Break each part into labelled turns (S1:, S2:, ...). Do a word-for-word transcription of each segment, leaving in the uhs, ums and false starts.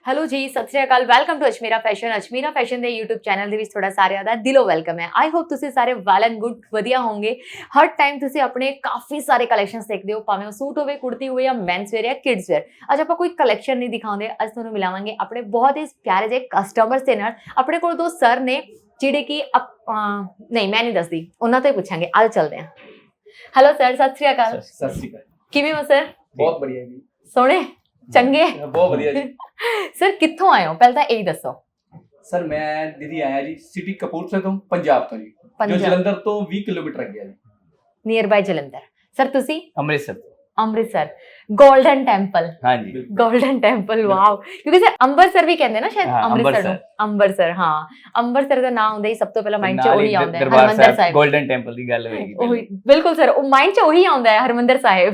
S1: Hello ਜੀ, ਸਤਿ ਸ਼੍ਰੀ ਅਕਾਲ। Welcome to Ajmeera fashion. Ajmeera fashion ਦੇ YouTube ਚੈਨਲ ਦੇ ਵਿੱਚ ਤੁਹਾਡਾ ਸਾਰਿਆਂ ਦਾ ਦਿਲੋਂ ਵੈਲਕਮ ਹੈ। ਆਈ ਹੋਪ ਤੁਸੀਂ ਸਾਰੇ ਵੈਲ ਐਂਡ ਗੁੱਡ ਵਧੀਆ ਹੋਵੋਗੇ। ਹਰ ਟਾਈਮ ਤੁਸੀਂ ਆਪਣੇ ਕਾਫੀ ਸਾਰੇ ਕਲੈਕਸ਼ਨਸ ਦੇਖਦੇ ਹੋ, ਭਾਵੇਂ ਉਹ ਸੂਟ ਹੋਵੇ, ਕੁੜਤੀ ਹੋਵੇ ਜਾਂ ਮੈਨਸ ਵੇਅਰ ਜਾਂ ਕਿਡਸ ਵੇਅਰ। ਅੱਜ ਆਪਾਂ ਕੋਈ ਕਲੈਕਸ਼ਨ ਨਹੀਂ ਦਿਖਾਉਂਦੇ, ਅੱਜ ਤੁਹਾਨੂੰ ਮਿਲਾਵਾਂਗੇ ਆਪਣੇ ਬਹੁਤ ਹੀ ਪਿਆਰੇ ਜਿਹੇ ਕਸਟਮਰਸ ਦੇ ਨਾਲ। ਆਪਣੇ ਕੋਲ ਦੋ ਸਰ ਨੇ ਜਿਹੜੇ ਕਿ ਨਹੀਂ ਮੈਂ ਨਹੀਂ ਦੱਸਦੀ, ਉਹਨਾਂ ਤੋਂ ਹੀ ਪੁੱਛਾਂਗੇ। ਅੱਜ ਚੱਲਦੇ ਹਾਂ। ਹੈਲੋ ਸਰ, ਸਤਿ ਸ਼੍ਰੀ ਅਕਾਲ।
S2: ਸਤਿ ਸ਼੍ਰੀ ਅਕਾਲ।
S1: ਕਿਵੇਂ ਹੋ ਸਰ?
S2: ਬਹੁਤ ਵਧੀਆ ਜੀ।
S1: ਸੋਹਣੇ ਚੰਗੇ,
S2: ਬਹੁਤ ਵਧੀਆ ਜੀ।
S1: ਸਰ ਕਿੱਥੋਂ ਆਏ ਹੋ ਪਹਿਲਾਂ ਤਾਂ ਇਹ ਦੱਸੋ।
S2: ਸਰ ਮੈਂ ਦੀਦੀ ਆਇਆ ਜੀ ਸਿਟੀ ਕਪੂਰਥਲੇ ਤੋਂ, ਪੰਜਾਬ ਤੋਂ ਜੀ, ਜੋ ਜਲੰਧਰ ਤੋਂ ਵੀਹ ਕਿਲੋਮੀਟਰ ਅੱਗੇ ਹੈ ਜੀ,
S1: ਨੀਅਰ ਬਾਈ ਜਲੰਧਰ। ਸਰ ਤੁਸੀਂ?
S3: ਅੰਮ੍ਰਿਤਸਰ।
S1: Amritsar golden temple.
S3: ਹਾਂਜੀ,
S1: ਗੋਲਡਨ ਟੈਂਪਲ। ਵਾਓ, ਕਿਉਂਕਿ ਸਰ ਅੰਮ੍ਰਿਤਸਰ ਵੀ ਕਹਿੰਦੇ ਨਾ ਸ਼ਾਇਦ ਅੰਮ੍ਰਿਤਸਰ ਨੂੰ। ਅੰਮ੍ਰਿਤਸਰ, ਹਾਂ, ਅੰਮ੍ਰਿਤਸਰ ਦਾ ਨਾਮ ਆਉਂਦਾ ਹੀ ਸਭ ਤੋਂ ਪਹਿਲਾਂ ਮਾਈਂਡ 'ਚ ਉਹੀ ਆਉਂਦਾ ਹੈ, ਹਰਮੰਦਰ ਸਾਹਿਬ।
S3: ਗੋਲਡਨ ਟੈਂਪਲ ਦੀ ਗੱਲ ਹੋਏਗੀ।
S1: ਉਹੀ ਬਿਲਕੁਲ ਸਰ, ਉਹ ਮਾਈਂਡ 'ਚ ਉਹੀ ਆਉਂਦਾ ਹੈ, ਹਰਮੰਦਰ ਸਾਹਿਬ।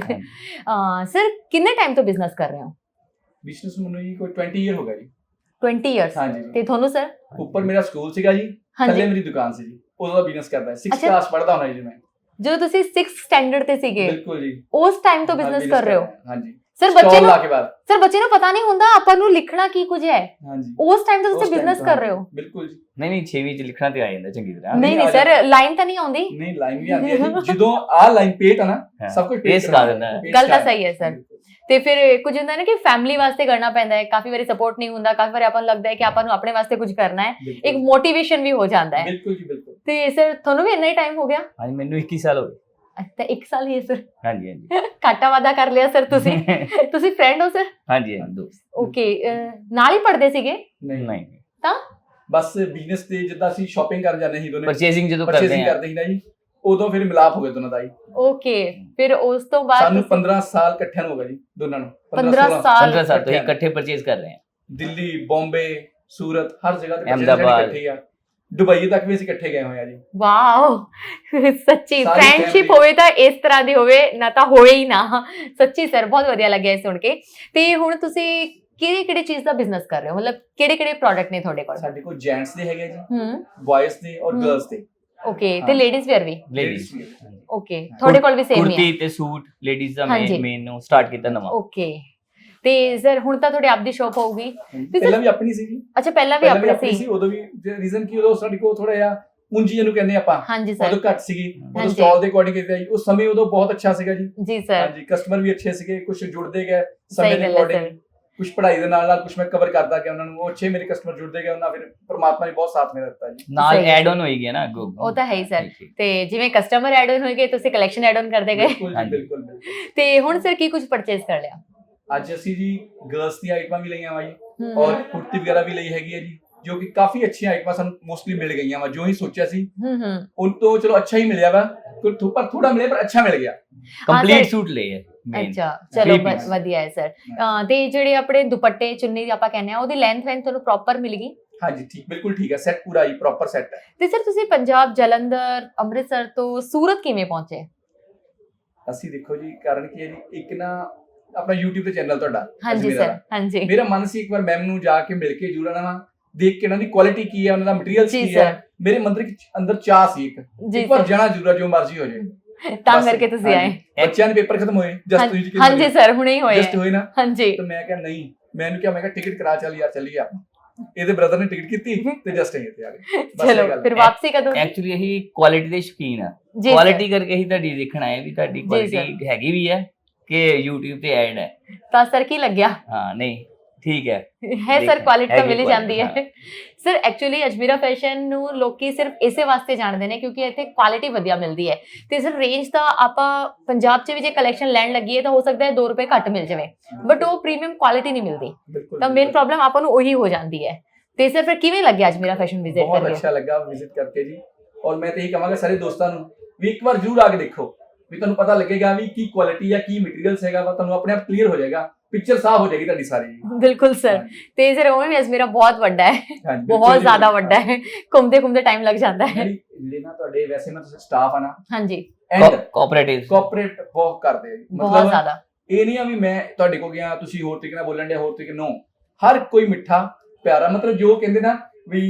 S1: ਸਰ ਕਿੰਨੇ ਟਾਈਮ ਤੋਂ ਬਿਜ਼ਨਸ ਕਰ ਰਹੇ ਹੋ?
S2: ਬਿਜ਼ਨਸ ਮੈਨੂੰ ਜੀ ਕੋਈ ਵੀਹ ਇਅਰ ਹੋ ਗਿਆ ਜੀ।
S1: ਵੀਹ ਇਅਰਸ।
S2: ਹਾਂਜੀ।
S1: ਤੇ ਤੁਹਾਨੂੰ ਸਰ?
S2: ਉੱਪਰ ਮੇਰਾ ਸਕੂਲ ਸੀਗਾ ਜੀ, ਥੱਲੇ ਮੇਰੀ ਦੁਕਾਨ ਸੀ ਜੀ, ਉਦੋਂ ਦਾ ਬਿਜ਼ਨਸ ਕਰਦਾ। ਸਿਕਸ ਕਲਾਸ ਪੜ੍ਹਦਾ ਹੁੰਦਾ ਜੀ ਮੈਂ।
S1: ਜਦੋਂ ਤੁਸੀਂ ਸਿਕਸ ਸਟੈਂਡਰਡ ਤੇ ਸੀਗੇ?
S2: ਬਿਲਕੁਲ ਜੀ।
S1: ਉਸ ਟਾਈਮ ਤੋਂ ਬਿਜ਼ਨਸ ਕਰ ਰਹੇ ਹੋ?
S2: ਹਾਂਜੀ।
S1: ਸਰ ਬੱਚੇ ਨੂੰ ਸਰ ਬੱਚੇ ਨੂੰ ਪਤਾ ਨਹੀਂ ਹੁੰਦਾ ਆਪਾਂ ਨੂੰ ਲਿਖਣਾ ਕੀ ਕੁਝ ਹੈ।
S2: ਹਾਂਜੀ।
S1: ਉਸ ਟਾਈਮ ਤੋਂ ਤੁਸੀਂ ਬਿਜ਼ਨਸ ਕਰ ਰਹੇ ਹੋ?
S2: ਬਿਲਕੁਲ ਜੀ।
S3: ਨਹੀਂ ਨਹੀਂ ਛੇਵੀਂ 'ਚ ਲਿਖਣਾ ਤੇ ਆ ਜਾਂਦਾ ਚੰਗੀ ਤਰ੍ਹਾਂ।
S1: ਨਹੀਂ ਨਹੀਂ ਸਰ, ਲਾਈਨ ਤਾਂ ਨਹੀਂ ਆਉਂਦੀ?
S2: ਨਹੀਂ, ਲਾਈਨ ਵੀ ਆਉਂਦੀ ਹੈ ਜੀ। ਜਦੋਂ ਆ ਲਾਈਨ ਪੇਟ ਆ ਨਾ, ਸਭ ਕੁਝ
S3: ਪੇਸ ਕਰ ਦਿੰਦਾ ਹੈ।
S1: ਗੱਲ ਤਾਂ ਸਹੀ ਹੈ ਸਰ। ਤੇ ਫਿਰ ਕੁਝ ਹੁੰਦਾ ਨਾ ਕਿ ਫੈਮਿਲੀ ਵਾਸਤੇ ਕਰਨਾ ਪੈਂਦਾ ਹੈ, ਕਾਫੀ ਵਾਰੀ ਸਪੋਰਟ ਨਹੀਂ ਹੁੰਦਾ, ਕਾਫੀ ਵਾਰੀ ਆਪਾਂ ਨੂੰ ਲੱਗਦਾ ਹੈ ਕਿ ਆਪਾਂ ਨੂੰ ਆਪਣੇ ਵਾਸਤੇ ਕੁਝ ਕਰਨਾ ਹੈ, ਇੱਕ ਮੋਟੀਵੇਸ਼ਨ ਵੀ ਹੋ ਜਾਂਦਾ ਹੈ।
S2: ਬਿਲਕੁਲ ਜੀ, ਬਿਲਕੁਲ।
S1: ਤੇ ਸਰ ਤੁਹਾਨੂੰ ਵੀ ਇੰਨਾ ਹੀ ਟਾਈਮ ਹੋ ਗਿਆ?
S3: ਹਾਂਜੀ, ਮੈਨੂੰ ਇੱਕੀ ਸਾਲ ਹੋ ਗਏ।
S1: ਅੱਛਾ, ਇੱਕ ਸਾਲ ਹੀ ਹੈ ਸਰ?
S3: ਹਾਂਜੀ ਹਾਂਜੀ।
S1: ਘਾਟਾ ਵਾਦਾ ਕਰ ਲਿਆ ਸਰ ਤੁਸੀਂ। ਤੁਸੀਂ ਫਰੈਂਡ ਹੋ ਸਰ?
S3: ਹਾਂਜੀ ਹਾਂਜੀ, ਦੋਸਤ।
S1: ਓਕੇ, ਨਾਲ ਹੀ ਪੜ੍ਹਦੇ ਸੀਗੇ?
S2: ਨਹੀਂ
S3: ਨਹੀਂ,
S1: ਤਾਂ
S2: ਬਸ ਬਿਜ਼ਨਸ ਤੇ ਜਿੱਦਾਂ ਅਸੀਂ ਸ਼ਾਪਿੰਗ ਕਰਨ ਜਾਂਦੇ ਸੀ ਦੋਨੇ,
S3: ਪਰਚੇਸਿੰਗ ਜਦੋਂ ਕਰਦੇ
S2: ਪਰਚੇਸਿੰਗ ਕਰਦੇ ਸੀ ਨਾ ਜੀ, ਉਦੋਂ ਫਿਰ ਮਿਲਾਪ ਹੋ ਗਿਆ ਦੋਨਾਂ ਦਾ ਜੀ।
S1: ਓਕੇ, ਫਿਰ ਉਸ ਤੋਂ ਬਾਅਦ
S2: ਸਾਨੂੰ ਪੰਦਰਾਂ ਸਾਲ ਇਕੱਠਿਆਂ ਨੂੰ ਹੋ ਗਏ ਜੀ ਦੋਨਾਂ ਨੂੰ।
S1: ਪੰਦਰਾਂ ਸਾਲ
S3: ਪੰਦਰਾਂ ਸਾਲ ਤੋਂ ਇਕੱਠੇ ਪਰਚੇਸ ਕਰ ਰਹੇ ਹਾਂ।
S2: ਦਿੱਲੀ, ਬੰਬੇ, ਸੂਰਤ, ਹਰ ਜਗ੍ਹਾ ਤੇ
S3: ਅਹਿਮਦਾਬਾਦ,
S2: ਇਕੱਠੇ ਆ। ਦੁਬਈ ਤੱਕ ਵੀ ਅਸੀਂ ਇਕੱਠੇ ਗਏ ਹੋਏ ਆ ਜੀ।
S1: ਵਾਓ, ਸੱਚੀ ਫਰੈਂਡਸ਼ਿਪ ਹੋਵੇ ਤਾਂ ਇਸ ਤਰ੍ਹਾਂ ਦੀ ਹੋਵੇ, ਨਾ ਤਾਂ ਹੋਏ ਹੀ ਨਾ। ਸੱਚੀ ਸਰ, ਬਹੁਤ ਵਧੀਆ ਲੱਗਿਆ ਸੁਣ ਕੇ। ਤੇ ਹੁਣ ਤੁਸੀਂ ਕਿਹੜੇ ਕਿਹੜੇ ਚੀਜ਼ ਦਾ ਬਿਜ਼ਨਸ ਕਰ ਰਹੇ ਹੋ? ਮਤਲਬ ਕਿਹੜੇ ਕਿਹੜੇ ਪ੍ਰੋਡਕਟ ਨੇ ਤੁਹਾਡੇ ਕੋਲ?
S2: ਸਾਡੇ ਕੋਲ ਜੈਂਟਸ ਦੇ ਹੈਗੇ ਜੀ,
S1: ਹੂੰ,
S2: ਬॉयਜ਼ ਦੇ ਔਰ ਗਰਲਸ ਦੇ।
S1: ਓਕੇ, ਤੇ ਲੇਡੀਜ਼ ਵੇਅਰ ਵੀ?
S3: ਲੇਡੀਜ਼।
S1: ਓਕੇ, ਤੁਹਾਡੇ ਕੋਲ ਵੀ ਸੇਮ ਹੀ ਹੈ?
S3: ਕੁੜਤੀ ਤੇ ਸੂਟ ਲੇਡੀਜ਼ ਦਾ ਮੇਨ ਮੇਨ ਨੂੰ ਸਟਾਰਟ ਕੀਤਾ ਨਵਾਂ।
S1: ਓਕੇ, ਤੇ ਸਰ ਹੁਣ ਤਾਂ ਤੁਹਾਡੀ ਆਪਦੀ ਸ਼ਾਪ ਹੋਊਗੀ?
S2: ਪਹਿਲਾਂ ਵੀ ਆਪਣੀ ਸੀ ਜੀ।
S1: ਅੱਛਾ, ਪਹਿਲਾਂ ਵੀ ਆਪਣੀ ਸੀ।
S2: ਉਦੋਂ ਵੀ ਰੀਜ਼ਨ ਕੀ, ਉਦੋਂ ਸਾਡੇ ਕੋਲ ਥੋੜਾ ਜਿਹਾ ਪੂੰਜੀ ਜਿਹਨੂੰ ਕਹਿੰਦੇ ਆਪਾਂ,
S1: ਹਾਂਜੀ ਸਰ,
S2: ਉਦੋਂ ਘੱਟ ਸੀਗੀ। ਉਦੋਂ ਸਟਾਲ ਦੇ ਅਕੋਰਡਿੰਗ ਕੀਤਾ ਜੀ। ਉਸ ਸਮੇਂ ਉਦੋਂ ਬਹੁਤ ਅੱਛਾ ਸੀਗਾ ਜੀ।
S1: ਜੀ ਸਰ।
S2: ਹਾਂਜੀ, ਕਸਟਮਰ ਵੀ ਅੱਛੇ ਸੀਗੇ, ਕੁਝ ਜੁੜਦੇ ਗਏ ਸਮੇਂ ਦੇ ਅਕੋਰਡਿੰਗ, ਕੁਝ ਪੜ੍ਹਾਈ ਦੇ ਨਾਲ ਨਾਲ ਕੁਝ ਮੈਂ ਕਵਰ ਕਰਦਾ ਗਿਆ ਉਹਨਾਂ ਨੂੰ। ਉਹ ਅੱਛੇ ਮੇਰੇ ਕਸਟਮਰ ਜੁੜਦੇ ਗਏ, ਉਹਨਾਂ ਫਿਰ ਪਰਮਾਤਮਾ ਨੇ ਬਹੁਤ ਸਾਥ ਮੇਰਾ ਦਿੱਤਾ ਜੀ।
S3: ਨਾਲ ਐਡ ਆਨ ਹੋਈ ਗਿਆ ਨਾ ਅੱਗੋਂ।
S1: ਉਹ ਤਾਂ ਹੈ ਹੀ ਸਰ। ਤੇ ਜਿਵੇਂ ਕਸਟਮਰ ਐਡ ਆਨ ਹੋਏ ਗਏ, ਤੁਸੀਂ ਕਲੈਕਸ਼ਨ ਐਡ ਆਨ ਕਰਦੇ ਗਏ।
S2: ਬਿਲਕੁਲ ਜੀ, ਬਿਲਕੁਲ।
S1: ਤੇ ਹੁਣ ਸਰ ਕੀ ਕੁਝ ਪਰਚੇਸ ਕਰ ਲਿਆ?
S2: ਅੱਜ ਅਸੀਂ ਜੀ ਗਰਲਸ ਦੀ ਆਈਟਮਾਂ ਵੀ ਲਈਆਂ ਵਾ ਜੀ, ਔਰ ਕੁੜਤੀ ਵਗੈਰਾ ਵੀ ਲਈ ਹੈਗੀ ਹੈ ਜੀ, ਜੋ ਕਿ ਕਾਫੀ ਅੱਛੀਆਂ ਆਈਟਮਾਂ ਸਾਨੂੰ ਮੋਸਟਲੀ ਮਿਲ ਗਈਆਂ ਵਾ। ਜੋ ਹੀ ਸੋਚਿਆ ਸੀ ਉਹ ਤੋਂ ਚਲੋ ਅੱਛਾ ਹੀ ਮਿਲਿਆ ਵਾ, ਪਰ ਥੋੜਾ ਮਿਲਿਆ ਪਰ ਅੱਛਾ ਮਿਲ ਗਿਆ।
S3: ਕੰਪਲੀਟ ਸੂਟ ਲਏ।
S1: ਅੱਛਾ, ਚਲੋ ਵਧੀਆ ਹੈ ਸਰ। ਤੇ ਜਿਹੜੇ ਆਪਣੇ ਦੁਪੱਟੇ ਚੁੰਨੀ ਆਪਾਂ ਕਹਿੰਦੇ ਆ, ਉਹਦੀ ਲੈਂਥ ਵੈਂਥ ਤੁਹਾਨੂੰ ਪ੍ਰੋਪਰ ਮਿਲ ਗਈ?
S2: ਹਾਂਜੀ, ਠੀਕ, ਬਿਲਕੁਲ ਠੀਕ ਹੈ। ਸੈੱਟ ਪੂਰਾ ਹੀ ਪ੍ਰੋਪਰ ਸੈੱਟ ਹੈ। ਤੇ
S1: ਸਰ ਤੁਸੀਂ ਪੰਜਾਬ, ਜਲੰਧਰ, ਅੰਮ੍ਰਿਤਸਰ ਤੋਂ ਸੂਰਤ ਕਿਵੇਂ ਪਹੁੰਚੇ?
S2: ਅਸੀਂ ਦੇਖੋ ਜੀ, ਕਾਰਨ ਕੀ ਹੈ ਜੀ, ਇੱਕ ਨਾ ਆਪਣਾ YouTube ਤੇ ਚੈਨਲ ਤੁਹਾਡਾ।
S1: ਹਾਂਜੀ ਸਰ, ਹਾਂਜੀ।
S2: ਮੇਰਾ ਮਨ ਸੀ ਇੱਕ ਵਾਰ ਮੈਮ ਨੂੰ ਜਾ ਕੇ ਮਿਲ ਕੇ ਜੁੜਨਾ ਵਾ, ਦੇਖ ਕੇ ਉਹਨਾਂ ਦੀ ਕੁਆਲਿਟੀ ਕੀ ਹੈ, ਉਹਨਾਂ ਦਾ ਮਟੀਰੀਅਲ ਕੀ ਹੈ। ਮੇਰੇ ਮੰਦਰ ਅੰਦਰ ਚਾਹ ਸੀ ਇੱਕ ਇੱਕ ਵਾਰ ਜਾਣਾ ਜ਼ਰੂਰ, ਜੋ ਮਰਜ਼ੀ ਹੋ ਜਾਏ। ਤਾਂ ਕਰਕੇ ਤੁਸੀਂ ਆਏ? ਬੱਚਿਆਂ ਦੇ ਪੇਪਰ ਖਤਮ ਹੋਏ ਜਸਟ ਤੁਸੀਂ?
S1: ਹਾਂਜੀ ਸਰ, ਹੁਣੇ ਹੀ ਹੋਏ।
S2: ਜਸਟ ਹੋਏ ਨਾ?
S1: ਹਾਂਜੀ।
S2: ਤਾਂ ਮੈਂ ਕਿਹਾ ਨਹੀਂ, ਮੈਨੂੰ ਕਿਹਾ ਮੈਂ ਕਿਹਾ ਟਿਕਟ ਕਰਾ, ਚੱਲ ਯਾਰ ਚੱਲੀਏ ਆਪਾਂ। ਇਹਦੇ ਬ੍ਰਦਰ ਨੇ ਟਿਕਟ ਕੀਤੀ ਤੇ ਜਸਟ ਆਏ ਇੱਥੇ ਆ ਗਏ।
S1: ਚਲੋ ਫਿਰ ਵਾਪਸੀ ਕਦੋਂ?
S3: ਐਕਚੁਅਲੀ ਇਹੀ ਕੁਆਲਿਟੀ ਦੇ ਸ਼ੌਕੀਨ ਆ, ਕੁਆਲਿਟੀ ਕਰਕੇ ਹੀ ਤੁਹਾਡੀ ਦੇਖਣ ਆਏ ਵੀ ਤੁਹਾਡੀ ਕੁਆਲਿਟੀ ਹੈਗੀ ਵੀ ਹੈ ਕਿ YouTube ਤੇ ਐਡ ਹੈ। ਤਾਂ
S1: ਸਰ ਕੀ ਲੱਗਿਆ?
S3: ਹਾਂ, ਨਹੀਂ ਠੀਕ ਹੈ
S1: ਹੈ ਸਰ, ਕੁਆਲਿਟੀ ਤਾਂ ਮਿਲ ਹੀ ਜਾਂਦੀ ਹੈ ਸਰ। ਐਕਚੁਅਲੀ ਅਜਮੀਰਾ ਫੈਸ਼ਨ ਨੂੰ ਲੋਕੀ ਸਿਰਫ ਇਸੇ ਵਾਸਤੇ ਜਾਣਦੇ ਨੇ ਕਿਉਂਕਿ ਇੱਥੇ ਕੁਆਲਿਟੀ ਵਧੀਆ ਮਿਲਦੀ ਹੈ। ਤੇ ਸਰ ਰੇਂਜ ਤਾਂ ਆਪਾਂ ਪੰਜਾਬ 'ਚ ਵੀ ਜੇ ਕਲੈਕਸ਼ਨ ਲੈਣ ਲੱਗੀਏ ਤਾਂ ਹੋ ਸਕਦਾ ਹੈ ਦੋ ਰੁਪਏ ਘੱਟ ਮਿਲ ਜਾਵੇ, ਬਟ ਉਹ ਪ੍ਰੀਮੀਅਮ ਕੁਆਲਿਟੀ ਨਹੀਂ ਮਿਲਦੀ, ਤਾਂ ਮੇਨ ਪ੍ਰੋਬਲਮ ਆਪਾਂ ਨੂੰ ਉਹੀ ਹੋ ਜਾਂਦੀ ਹੈ। ਤੇ ਸਰ ਫਿਰ ਕਿਵੇਂ ਲੱਗਿਆ ਅਜਮੀਰਾ ਫੈਸ਼ਨ ਵਿਜ਼ਿਟ ਕਰਕੇ?
S2: ਬਹੁਤ ਅੱਛਾ ਲੱਗਾ ਵਿਜ਼ਿਟ ਕਰਕੇ ਜੀ, ਔਰ ਮੈਂ ਤਾਂ ਇਹ ਕਹਾਂਗਾ ਸਾਰੇ ਦੋਸਤਾਂ ਨੂੰ ਵੀ ਇੱਕ ਵਾਰ ਜ਼ਰੂਰ ਆ ਕੇ ਦੇਖੋ, ਵੀ ਤੁਹਾਨੂੰ ਪਤਾ ਲੱਗੇਗਾ ਵੀ ਕੀ ਕੁਆਲਿਟੀ ਹੈ, ਕੀ ਮਟੀਰੀਅਲਸ ਹੈਗਾ ਵਾ, ਤੁਹਾਨੂੰ ਆਪਣੇ ਆਪ ਕਲੀਅਰ ਹੋ ਜਾਏਗਾ, ਪਿਕਚਰ ਸਾਫ਼ ਹੋ ਜਾਏਗੀ ਤੁਹਾਡੀ ਸਾਰੀ। ਬਿਲਕੁਲ ਸਰ। ਤੇ ਸਰ ਉਹ ਵੀ ਅਜਮੀਰਾ ਬਹੁਤ ਵੱਡਾ ਹੈ, ਬਹੁਤ ਜ਼ਿਆਦਾ ਵੱਡਾ ਹੈ, ਘੁੰਮਦੇ ਘੁੰਮਦੇ ਟਾਈਮ ਲੱਗ ਜਾਂਦਾ ਹੈ। ਜਿਹੜੇ ਨਾ ਤੁਹਾਡੇ ਵੈਸੇ ਨਾ ਤੁਸੀਂ ਸਟਾਫ ਆ ਨਾ, ਹਾਂਜੀ, ਕੋਆਪਰੇਟਿਵ ਕੋਆਪਰੇਟ ਬਹੁਤ ਕਰਦੇ ਆ, ਬਹੁਤ ਜ਼ਿਆਦਾ। ਇਹ ਨਹੀਂ ਆ ਵੀ ਮੈਂ ਤੁਹਾਡੇ ਕੋਲ ਗਿਆ ਤੁਸੀਂ ਹੋਰ ਤਰੀਕੇ ਨਾਲ ਬੋਲਣ ਦੇ, ਹੋਰ ਤਰੀਕੇ ਨੋ, ਹਰ ਕੋਈ ਮਿੱਠਾ ਪਿਆਰਾ, ਮਤਲਬ ਜੋ ਕਹਿੰਦੇ ਨਾ ਵੀ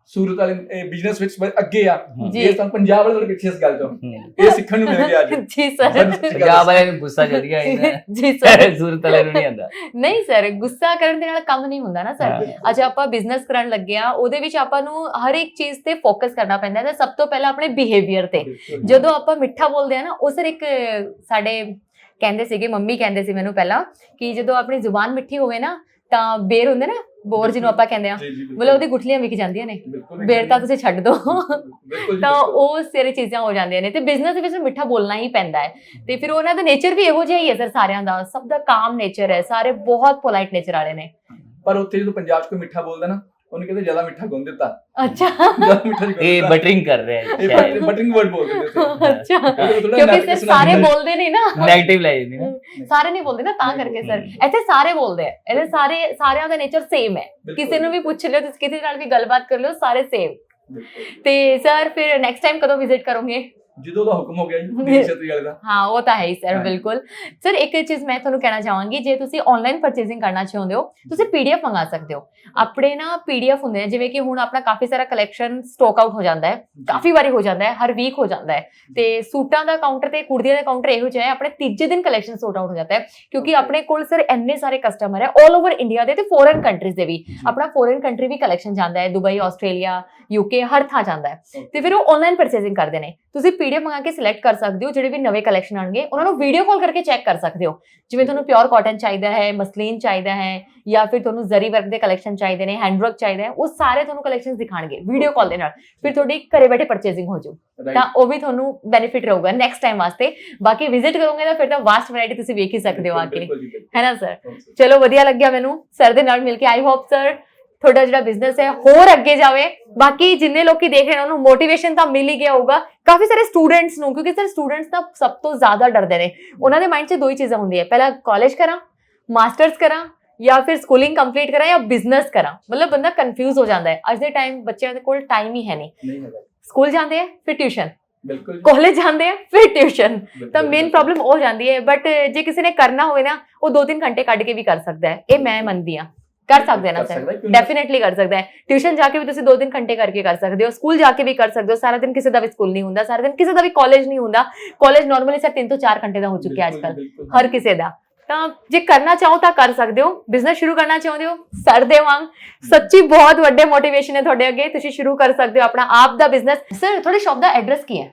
S2: ਸੂਰਤ ਵਾਲੇ ਬਿਜ਼ਨਸ ਵਿੱਚ ਬ- ਅੱਗੇ ਆ
S1: ਜੀ।
S2: ਇਹ ਤਾਂ ਪੰਜਾਬ ਵਾਲੇ ਥੋੜੇ ਪਿੱਛੇ ਇਸ ਗੱਲ ਤੋਂ
S3: ਹਮ।
S2: ਇਹ ਸਿੱਖਣ ਨੂੰ ਮਿਲ ਗਿਆ ਅੱਜ
S1: ਜੀ ਸਰ
S3: ਪੰਜਾਬ ਵਾਲਿਆਂ ਨੂੰ ਗੁੱਸਾ ਚੜ ਗਿਆ ਇਹਨਾਂ
S1: ਜੀ ਸਰ
S3: ਸੂਰਤ ਵਾਲਿਆਂ ਨੂੰ ਨਹੀਂ ਆਉਂਦਾ।
S1: ਨਹੀਂ ਸਰ, ਗੁੱਸਾ ਕਰਨ ਦੇ ਨਾਲ ਕੰਮ ਨਹੀਂ ਹੁੰਦਾ ਨਾ ਸਰ।
S3: ਹਾਂ।
S1: ਅੱਜ ਆਪਾਂ ਬਿਜ਼ਨਸ ਕਰਨ ਲੱਗੇ ਆ, ਉਹਦੇ ਵਿੱਚ ਆਪਾਂ ਨੂੰ ਹਰ ਇੱਕ ਚੀਜ਼ ਤੇ ਫੋਕਸ ਕਰਨਾ ਪੈਂਦਾ ਹੈ ਤੇ ਸਭ ਤੋਂ ਪਹਿਲਾਂ ਆਪਣੇ ਬਿਹੇਵੀਅਰ ਤੇ। ਜਦੋਂ ਆਪਾਂ ਮਿੱਠਾ ਬੋਲਦੇ ਆ ਨਾ, ਉਹ ਸਰ ਇੱਕ ਸਾਡੇ ਕਹਿੰਦੇ ਸੀਗੇ, ਮੰਮੀ ਕਹਿੰਦੇ ਸੀ ਮੈਨੂੰ ਪਹਿਲਾਂ, ਕਿ ਜਦੋਂ ਆਪਣੀ ਜ਼ੁਬਾਨ ਮਿੱਠੀ ਹੋਵੇ ਨਾ ਤਾਂ ਬੇਰ ਹੁੰਦੇ ਨਾ, ਬੋਰ ਜਿਹਨੂੰ ਆਪਾਂ ਕਹਿੰਦੇ ਆ, ਮਤਲਬ ਉਹਦੀ ਗੁਠਲੀਆਂ ਵਿਕ ਜਾਂਦੀਆਂ ਨੇ, ਬੇਰ ਤਾਂ ਤੁਸੀਂ ਛੱਡ ਦੋ। ਤਾਂ ਉਹ ਸਾਰੇ ਚੀਜ਼ਾਂ ਹੋ ਜਾਂਦੀਆਂ ਨੇ ਤੇ ਬਿਜ਼ਨਸ ਦੇ ਵਿੱਚ ਮਿੱਠਾ ਬੋਲਣਾ ਹੀ ਪੈਂਦਾ ਹੈ। ਤੇ ਫਿਰ ਉਹਨਾਂ ਦਾ ਨੇਚਰ ਵੀ ਇਹੋ ਜਿਹਾ ਹੀ ਹੈ ਸਰ, ਸਾਰਿਆਂ ਦਾ, ਸਭ ਦਾ ਕਾਮ ਨੇਚਰ ਹੈ, ਸਾਰੇ ਬਹੁਤ ਪੋਲਾਈਟ ਨੇਚਰ ਵਾਲੇ ਨੇ।
S2: ਪਰ ਉੱਥੇ ਜਦੋਂ ਪੰਜਾਬ 'ਚ ਕੋਈ ਮਿੱਠਾ ਬੋਲਦਾ ਨਾ, ਉਹਨੂੰ ਕਹਿੰਦੇ ਜ਼ਿਆਦਾ ਮਿੱਠਾ ਗੁੰਨ ਦਿੱਤਾ,
S1: ਅੱਛਾ
S2: ਜ਼ਿਆਦਾ ਮਿੱਠਾ ਨਹੀਂ
S3: ਇਹ
S2: ਗੁੰਨ ਦਿੱਤਾ।
S3: ਬਟਰਿੰਗ ਕਰ ਰਿਹਾ ਹੈ
S2: ਇਹ
S3: ਸ਼ਾਇਦ,
S2: ਬਟਰਿੰਗ ਵਰਡ ਬੋਲਦੇ ਨੇ ਉੱਥੇ।
S1: ਅੱਛਾ,
S2: ਉਹਦੇ ਤੋਂ ਥੋੜ੍ਹਾ
S1: ਕਿਉਂਕਿ
S2: negative
S1: ਸਰ ਸਾਰੇ
S2: ਸੁਣਾਉਂਦਾ ਹੈ।
S1: ਬੋਲਦੇ ਨਹੀਂ ਨਾ,
S3: ਨੈਗੇਟਿਵ ਲੈ ਜਾਂਦੀ ਨਾ।
S1: ਸਾਰੇ ਨਹੀਂ ਬੋਲਦੇ ਨਾ, ਤਾਂ
S2: ਨਹੀਂ
S1: ਕਰਕੇ
S3: ਬੋਲਦੇ।
S1: ਸਰ ਇੱਥੇ ਸਾਰੇ ਬੋਲਦੇ ਆ। ਇਹਦੇ ਸਾਰੇ ਸਾਰਿਆਂ ਦਾ ਨੇਚਰ ਸੇਮ ਹੈ,
S2: ਬਿਲਕੁਲ।
S1: ਕਿਸੇ ਨੂੰ ਵੀ ਪੁੱਛ ਲਿਓ, ਤੁਸੀਂ ਕਿਸੇ ਨਾਲ ਵੀ ਗੱਲਬਾਤ ਕਰ ਲਿਓ, ਸਾਰੇ ਸੇਮ।
S2: ਬਿਲਕੁਲ।
S1: ਤੇ ਸਰ ਫਿਰ ਨੈਕਸਟ ਟਾਈਮ ਕਦੋਂ ਵਿਜ਼ਿਟ ਕਰੋਗੇ?
S2: ਜਦੋਂ ਦਾ ਹੁਕਮ ਹੋ ਗਿਆ ਜੀ ਦੇਸ਼ ਛਤਰੀ ਵਾਲੇ ਦਾ।
S1: ਹਾਂ, ਉਹ ਤਾਂ ਹੈ ਹੀ ਸਰ,
S2: ਹਾਂ।
S1: ਬਿਲਕੁਲ। ਸਰ ਇੱਕ ਚੀਜ਼ ਮੈਂ ਤੁਹਾਨੂੰ ਕਹਿਣਾ ਚਾਹਾਂਗੀ, ਜੇ ਤੁਸੀਂ ਆਨਲਾਈਨ ਪਰਚੇਸਿੰਗ ਕਰਨਾ ਚਾਹੁੰਦੇ ਹੋ, ਤੁਸੀਂ ਪੀਡੀਐਫ ਮੰਗਾ ਸਕਦੇ ਹੋ। ਆਪਣੇ ਨਾ ਪੀਡੀਐਫ ਹੁੰਦੇ ਨੇ, ਜਿਵੇਂ ਕਿ ਹੁਣ ਆਪਣਾ ਕਾਫੀ ਸਾਰਾ ਕਲੈਕਸ਼ਨ ਸਟਾਕ ਆਊਟ ਹੋ ਜਾਂਦਾ ਹੈ, ਕਾਫੀ ਵਾਰੀ ਹੋ ਜਾਂਦਾ ਹੈ, ਹਰ ਵੀਕ ਹੋ ਜਾਂਦਾ ਹੈ। ਤੇ ਸੂਟਾਂ ਦਾ ਕਾਊਂਟਰ ਤੇ ਕੁੜਤੀਆਂ ਦਾ ਕਾਊਂਟਰ ਇਹੋ ਜਿਹਾ ਹੈ, ਆਪਣੇ ਤੀਜੇ ਦਿਨ ਕਲੈਕਸ਼ਨ ਸੋਟ ਆਊਟ ਹੋ ਜਾਂਦਾ ਹੈ, ਕਿਉਂਕਿ ਆਪਣੇ ਕੋਲ ਸਰ ਇੰਨੇ ਸਾਰੇ ਕਸਟਮਰ ਹੈ ਆਲ ਓਵਰ ਇੰਡੀਆ ਦੇ ਤੇ ਫੋਰਨ ਕੰਟਰੀਜ਼ ਦੇ ਵੀ। ਆਪਣਾ ਫੋਰਨ ਕੰਟਰੀ ਵੀ ਕਲੈਕਸ਼ਨ ਜਾਂਦਾ ਹੈ, ਦੁਬਈ, ਆਸਟ੍ਰੇਲੀਆ, ਯੂਕੇ, ਹਰ ਥਾਂ ਜਾਂਦਾ ਹੈ। ਤੇ ਫਿਰ ਉਹ ਆਨਲਾਈਨ ਪਰਚੇਸਿੰਗ ਕਰਦੇ ਨੇ। ਤੁਸੀਂ ਪੀਡੀਐਫ ਮੰਗਾ ਕੇ ਸਿਲੈਕਟ ਕਰ ਸਕਦੇ ਹੋ, ਜਿਹੜੇ ਵੀ ਨਵੇਂ ਕਲੈਕਸ਼ਨ ਆਣਗੇ ਉਹਨਾਂ ਨੂੰ ਵੀਡੀਓ ਕਾਲ ਕਰਕੇ ਚੈੱਕ ਕਰ ਸਕਦੇ ਹੋ। ਜਿਵੇਂ ਤੁਹਾਨੂੰ ਪਿਓਰ ਕਾਟਨ ਚਾਹੀਦਾ ਹੈ, ਮਸਲੀਨ ਚਾਹੀਦਾ ਹੈ, ਜਾਂ ਫਿਰ ਤੁਹਾਨੂੰ ਜ਼ਰੀ ਵਰਕ ਦੇ ਕਲੈਕਸ਼ਨ ਚਾਹੀਦੇ ਨੇ, ਹੈਂਡ ਵਰਕ ਚਾਹੀਦਾ ਹੈ, ਉਹ ਸਾਰੇ ਤੁਹਾਨੂੰ ਕਲੈਕਸ਼ਨਸ ਦਿਖਾਣਗੇ ਵੀਡੀਓ ਕਾਲ ਦੇ ਨਾਲ। ਫਿਰ ਤੁਹਾਡੀ ਘਰੇ ਬੈਠੇ ਪਰਚੇਸਿੰਗ ਹੋ ਜਾਊ,
S2: Right.
S1: ਤਾਂ ਉਹ ਵੀ ਤੁਹਾਨੂੰ ਬੈਨੀਫਿਟ ਰਹੂਗਾ ਨੈਕਸਟ ਟਾਈਮ ਵਾਸਤੇ। ਬਾਕੀ ਵਿਜ਼ਿਟ ਕਰੋਗੇ ਤਾਂ ਫਿਰ ਤਾਂ ਵਾਸਟ ਵੈਰਾਈਟੀ ਤੁਸੀਂ ਵੇਖ ਹੀ ਸਕਦੇ ਹੋ ਆ ਕੇ,
S2: ਬਿਲਕੁਲ ਜੀ, ਬਿਲਕੁਲ।
S1: ਹੈ ਨਾ ਸਰ?
S2: ਹਾਂ sir।
S1: ਚਲੋ, ਵਧੀਆ ਲੱਗਿਆ ਮੈਨੂੰ ਸਰ ਦੇ ਨਾਲ ਮਿਲ ਕੇ। ਆਈ ਹੋਪ ਸਰ ਤੁਹਾਡਾ ਜਿਹੜਾ ਬਿਜ਼ਨਸ ਹੈ ਹੋਰ ਅੱਗੇ ਜਾਵੇ। ਬਾਕੀ ਜਿੰਨੇ ਲੋਕੀ ਦੇਖ ਰਹੇ ਨੇ ਉਹਨੂੰ ਮੋਟੀਵੇਸ਼ਨ ਤਾਂ ਮਿਲ ਹੀ ਗਿਆ ਹੋਊਗਾ, ਕਾਫੀ ਸਾਰੇ ਸਟੂਡੈਂਟਸ ਨੂੰ, ਕਿਉਂਕਿ ਸਰ ਸਟੂਡੈਂਟਸ ਤਾਂ ਸਭ ਤੋਂ ਜ਼ਿਆਦਾ ਡਰਦੇ ਨੇ। ਉਹਨਾਂ ਦੇ ਮਾਈਂਡ 'ਚ ਦੋ ਹੀ ਚੀਜ਼ਾਂ ਹੁੰਦੀਆਂ, ਪਹਿਲਾਂ ਕਾਲਜ ਕਰਾਂ, ਮਾਸਟਰਸ ਕਰਾਂ, ਜਾਂ ਫਿਰ ਸਕੂਲਿੰਗ ਕੰਪਲੀਟ ਕਰਾਂ, ਜਾਂ ਬਿਜ਼ਨਸ ਕਰਾਂ। ਮਤਲਬ ਬੰਦਾ ਕਨਫਿਊਜ਼ ਹੋ ਜਾਂਦਾ ਹੈ। ਅੱਜ ਦੇ ਟਾਈਮ ਬੱਚਿਆਂ ਦੇ ਕੋਲ ਟਾਈਮ ਹੀ ਹੈ ਨਹੀਂ।
S2: ਨਹੀਂ ਹੈਗਾ।
S1: ਸਕੂਲ ਜਾਂਦੇ ਆ, ਫਿਰ ਟਿਊਸ਼ਨ,
S2: ਬਿਲਕੁਲ ਜੀ,
S1: ਕਾਲਜ ਜਾਂਦੇ ਆ, ਫਿਰ ਟਿਊਸ਼ਨ।
S2: ਬਿਲਕੁਲ,
S1: ਤਾਂ ਮੇਨ
S2: ਬਿਲਕੁਲ।
S1: ਪ੍ਰੋਬਲਮ ਹੋ ਜਾਂਦੀ ਹੈ। ਬਟ ਜੇ ਕਿਸੇ ਨੇ ਕਰਨਾ ਹੋਵੇ ਨਾ, ਉਹ ਦੋ ਤਿੰਨ ਘੰਟੇ ਕੱਢ ਕੇ ਵੀ ਕਰ ਸਕਦਾ ਹੈ। ਇਹ ਮੈਂ ਮੰਨਦੀ ਹਾਂ, ਕਰ ਸਕਦੇ ਨਾ
S2: ਕਰ
S1: ਸਰ,
S2: ਸਕਦਾ ਹੈ, ਕਿਉਂ ਨਹੀਂ?
S1: ਡੈਫੀਨੇਟਲੀ ਕਰ ਸਕਦਾ ਹੈ। ਟਿਊਸ਼ਨ ਜਾ ਕੇ ਵੀ ਤੁਸੀਂ ਦੋ ਤਿੰਨ ਘੰਟੇ ਕਰਕੇ ਕਰ ਸਕਦੇ ਹੋ, ਸਕੂਲ ਜਾ ਕੇ ਵੀ ਕਰ ਸਕਦੇ ਹੋ। ਸਾਰਾ ਦਿਨ ਕਿਸੇ ਦਾ ਵੀ ਸਕੂਲ ਨਹੀਂ ਹੁੰਦਾ, ਸਾਰਾ ਦਿਨ ਕਿਸੇ ਦਾ ਵੀ ਕਾਲਜ ਨਹੀਂ ਹੁੰਦਾ। ਕਾਲਜ ਨਾਰਮਲੀ ਸਰ ਤਿੰਨ ਤੋਂ ਚਾਰ ਘੰਟੇ ਦਾ ਹੋ ਚੁੱਕਿਆ ਅੱਜ
S2: ਬਿਲਕੁਲ,
S1: ਕੱਲ
S2: ਬਿਲਕੁਲ।
S1: ਹਰ ਕਿਸੇ ਦਾ। ਤਾਂ ਜੇ ਕਰਨਾ ਚਾਹੋ ਤਾਂ ਕਰ ਸਕਦੇ ਹੋ। ਬਿਜ਼ਨਸ ਸ਼ੁਰੂ ਕਰਨਾ ਚਾਹੁੰਦੇ ਹੋ, ਸਰ ਦੇ ਵਾਂਗ ਸੱਚੀ ਬਹੁਤ ਵੱਡੇ ਮੋਟੀਵੇਸ਼ਨ ਹੈ ਤੁਹਾਡੇ ਅੱਗੇ, ਤੁਸੀਂ ਸ਼ੁਰੂ ਕਰ ਸਕਦੇ ਹੋ ਆਪਣਾ ਆਪ ਦਾ ਬਿਜ਼ਨਸ। ਸਰ ਤੁਹਾਡੇ ਸ਼ੌਪ ਦਾ ਐਡਰੈਸ ਕੀ ਹੈ?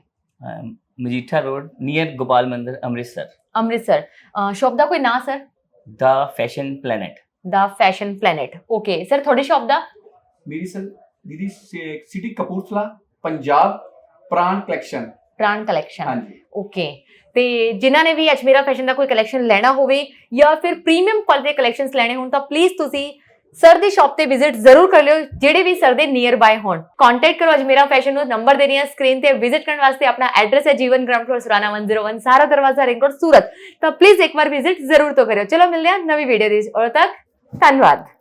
S3: ਮਜੀਠਾ ਰੋਡ ਨੀਅਰ ਗੋਪਾਲ ਮੰਦਿਰ, ਅੰਮ੍ਰਿਤਸਰ।
S1: ਅੰਮ੍ਰਿਤਸਰ। ਸ਼ੌਪ ਦਾ ਕੋਈ ਨਾਂ ਸਰ?
S3: ਦਾ ਫੈਸ਼ਨ ਪਲੈਨਟ।
S1: ਦਾ ਫੈਸ਼ਨ ਪਲੈਨਟ। ਓਕੇ ਸਰ, ਤੁਹਾਡੀ ਸ਼ੌਪ ਦਾ?
S2: ਮੇਰੀ ਸਰ ਦੀਦੀ ਸਿਟੀ ਕਪੂਰਥਲਾ, ਪੰਜਾਬ, ਪ੍ਰਾਣ ਕਲੈਕਸ਼ਨ।
S1: ਪ੍ਰਾਣ ਕਲੈਕਸ਼ਨ।
S2: ਹਾਂਜੀ।
S1: ਓਕੇ। ਤੇ ਜਿਨ੍ਹਾਂ ਨੇ ਵੀ ਅਜਮੇਰਾ ਫੈਸ਼ਨ ਦਾ ਕੋਈ ਕਲੈਕਸ਼ਨ ਲੈਣਾ ਹੋਵੇ ਜਾਂ ਫਿਰ ਪ੍ਰੀਮੀਅਮ ਕੁਆਲਿਟੀ ਦੇ ਕਲੈਕਸ਼ਨਸ ਲੈਣੇ ਹੋਣ, ਤਾਂ ਪਲੀਜ਼ ਤੁਸੀਂ ਸਰ ਦੀ ਸ਼ਾਪ ਤੇ ਵਿਜ਼ਿਟ ਜ਼ਰੂਰ ਕਰ ਲਿਓ, ਜਿਹੜੇ ਵੀ ਸਰ ਦੇ ਨੀਅਰ ਬਾय ਹੋਣ। ਕੰਟੈਕਟ ਕਰੋ ਅਜਮੇਰਾ ਫੈਸ਼ਨ ਨੂੰ, ਨੰਬਰ ਦੇ ਰਹੀ ਹਾਂ ਸਕਰੀਨ ਤੇ। ਵਿਜ਼ਿਟ ਕਰਨ ਵਾਸਤੇ ਆਪਣਾ ਐਡਰੈਸ ਹੈ ਜੀਵਨ ਗਰਾਊਂਡ ਫਲੋਰ ਸੁਰਾਨਾ ਇੱਕ ਸੌ ਇੱਕ, ਸਾਰਾ ਦਰਵਾਜ਼ਾ, ਰਿੰਗ ਰੋਡ, ਸੂਰਤ। ਤਾਂ ਪਲੀਜ਼ ਇੱਕ ਵਾਰ ਵਿਜ਼ਿਟ ਜ਼ਰੂਰ ਤੋਂ ਕਰਿਓ। ਚਲੋ ਮਿਲਦੇ ਹਾਂ ਨਵੀਂ ਵੀਡੀਓ ਦੇ ਵਿੱਚ, ਉਦੋਂ ਤੱਕ ਧੰਨਵਾਦ।